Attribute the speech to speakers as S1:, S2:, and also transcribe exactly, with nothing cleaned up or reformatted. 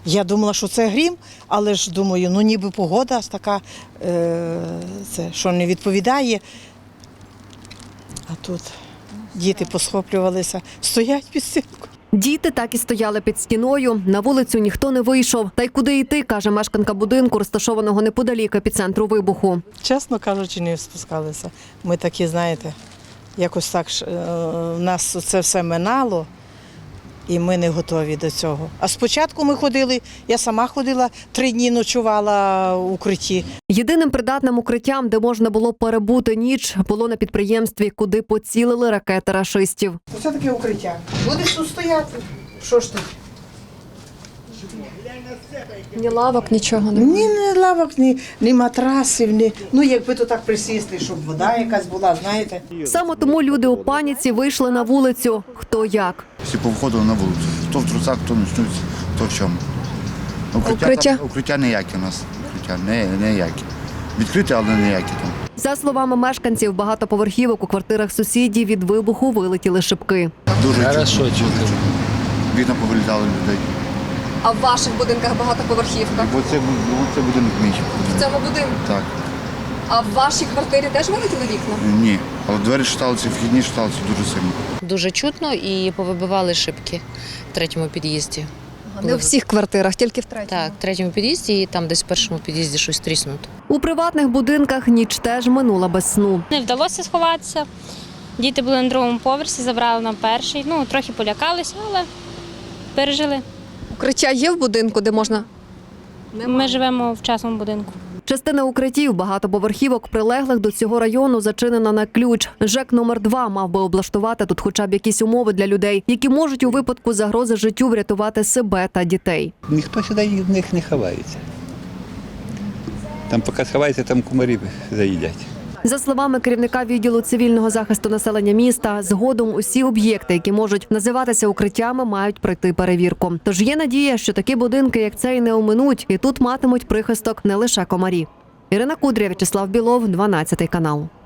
S1: Я думала, що це грім, але ж думаю, ну ніби погода така, е, це, що не відповідає. А тут діти посхоплювалися, стоять під стінкою.
S2: Діти так і стояли під стіною, на вулицю ніхто не вийшов. Та й куди йти, каже мешканка будинку, розташованого неподалік епіцентру вибуху.
S1: Чесно кажучи, не спускалися. Ми такі, знаєте, якось так е, нас це все минало. І ми не готові до цього. А спочатку ми ходили, я сама ходила, три дні ночувала в укритті.
S2: Єдиним придатним укриттям, де можна було перебути ніч, було на підприємстві, куди поцілили ракети рашистів.
S1: Оце таке укриття. Будеш тут стояти. Що ж тут?
S3: Ні лавок, нічого не.
S1: Ні, ні лавок, ні, ні матрасів, ні. Ну, якби то так присісти, щоб вода якась була, знаєте.
S2: Саме тому люди у паніці вийшли на вулицю. Хто як.
S4: Всі повходили на вулицю. Хто в трусах, хто в ночнуці, хто в чому. Укриття,
S3: Укриття?
S4: Там, укриття ніякі у нас. Укриття не, ніякі. Відкриті, але ніякі там.
S2: За словами мешканців багатоповерхівок, у квартирах сусідів від вибуху вилетіли шибки.
S4: Дуже
S5: Хорошо
S4: чутно.
S5: чути.
S4: Вікна повилітали людей.
S3: А в ваших будинках багатоповерхівка?
S4: Бо це, бо це будинок мій.
S3: В цьому будинку?
S4: Так.
S3: А в вашій квартирі теж вилетіли вікна?
S4: Ні. Але двері шаталися, вхідні шаталися дуже сильно.
S6: Дуже чутно і повибивали шибки в третьому під'їзді.
S3: Не у всіх квартирах, тільки в третьому.
S6: Так, в третьому під'їзді і там десь в першому під'їзді щось тріснуто.
S2: У приватних будинках ніч теж минула без сну.
S7: Не вдалося сховатися. Діти були на другому поверсі, забрали на перший. Ну, трохи полякалися, але пережили.
S3: Укриття є в будинку, де можна?
S7: Ми живемо в частному будинку.
S2: Частина укриттів багатоповерхівок, прилеглих до цього району, зачинена на ключ. ЖЕК номер два мав би облаштувати тут хоча б якісь умови для людей, які можуть у випадку загрози життю врятувати себе та дітей.
S5: Ніхто сюди в них не ховається. Там поки сховається, там кумарі заїдять.
S2: За словами керівника відділу цивільного захисту населення міста, згодом усі об'єкти, які можуть називатися укриттями, мають пройти перевірку. Тож є надія, що такі будинки, як цей, не оминуть, і тут матимуть прихисток не лише комарі. Ірина Кудря, В'ячеслав Білов, дванадцятий канал.